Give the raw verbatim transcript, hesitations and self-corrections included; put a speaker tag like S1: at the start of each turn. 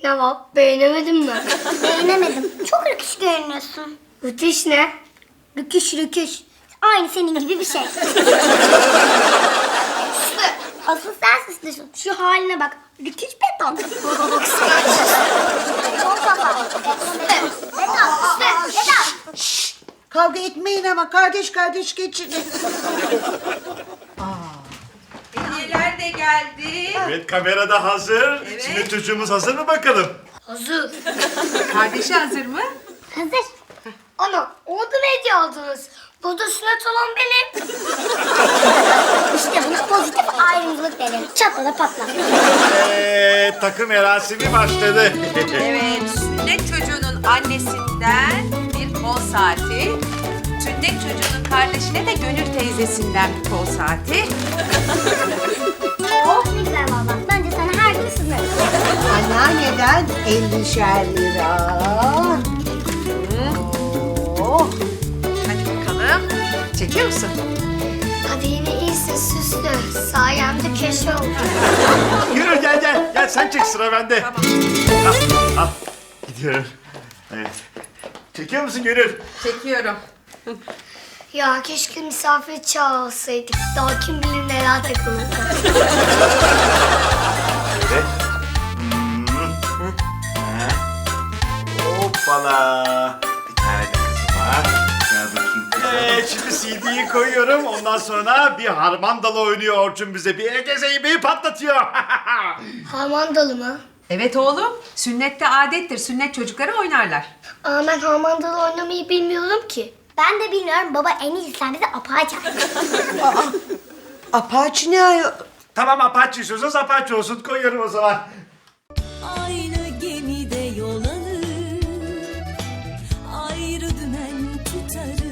S1: Ne var? Beğenemedin mi?
S2: Beğenemedim. Çok rüküş görünüyorsun.
S1: Müthiş ne?
S2: Rüküş rüküş. Aynı senin gibi bir şey. Asıl sen süslüsün. Şu haline bak. Rüküş beton. Çok kafa. Beton, beton. Beton.
S3: Kavga etmeyin ama kardeş kardeş geçinin.
S4: Hediyeler de geldi.
S5: Evet, kamera da hazır.
S4: Evet.
S5: Şimdi çocuğumuz hazır mı bakalım?
S1: Hazır.
S4: Kardeşi hazır mı?
S2: Hazır.
S1: Ana, orada ne hediye aldınız? Burada sünnet olan benim.
S2: İşte buna pozitif ayrımcılık denir. Çatla da patla.
S5: Ee, takım merasimi başladı.
S4: Evet, sünnet çocuğunun annesinden bir kol saati. Sünnet çocuğunun kardeşine de Gönül teyzesinden bir kol saati.
S2: Oh ne güzel valla. Bence sana her gün sızarım.
S3: Anneanneden ellişer lira. Oh.
S4: Hadi bakalım. Çekiyor musun?
S1: Hadi yine iyisin süslü. Sayemde köşe oldu.
S5: Yürü gel gel. Gel sen çek, sıra bende.
S4: Tamam.
S5: Al, al. Gidiyorum. Evet. Çekiyor musun Gönül?
S4: Çekiyorum.
S1: Ya keşke misafir çağırsaydık. Daha kim bilir neler takılırdı.
S5: Evet. Hmm. Ha. Hoppala. Bir tane de kızım var. Gel bakayım kızım. Evet, şimdi C D'yi koyuyorum. Ondan sonra bir harmandalı oynuyor Orçun bize. Bir Ege Zeybe'yi patlatıyor.
S1: Harmandalı mı?
S4: Evet oğlum, sünnette adettir. Sünnet çocukları oynarlar.
S1: Aa, ben harmandalı oynamayı bilmiyorum ki.
S2: Ben de bilmiyorum. Baba en iyisi sen bize apağı çağır.
S3: Apache ne ayol?
S5: Tamam, Apache istiyorsanız Apache olsun. Koyuyorum o zaman.
S6: Aynı gemide yol alır, ayrı dümen tutarız.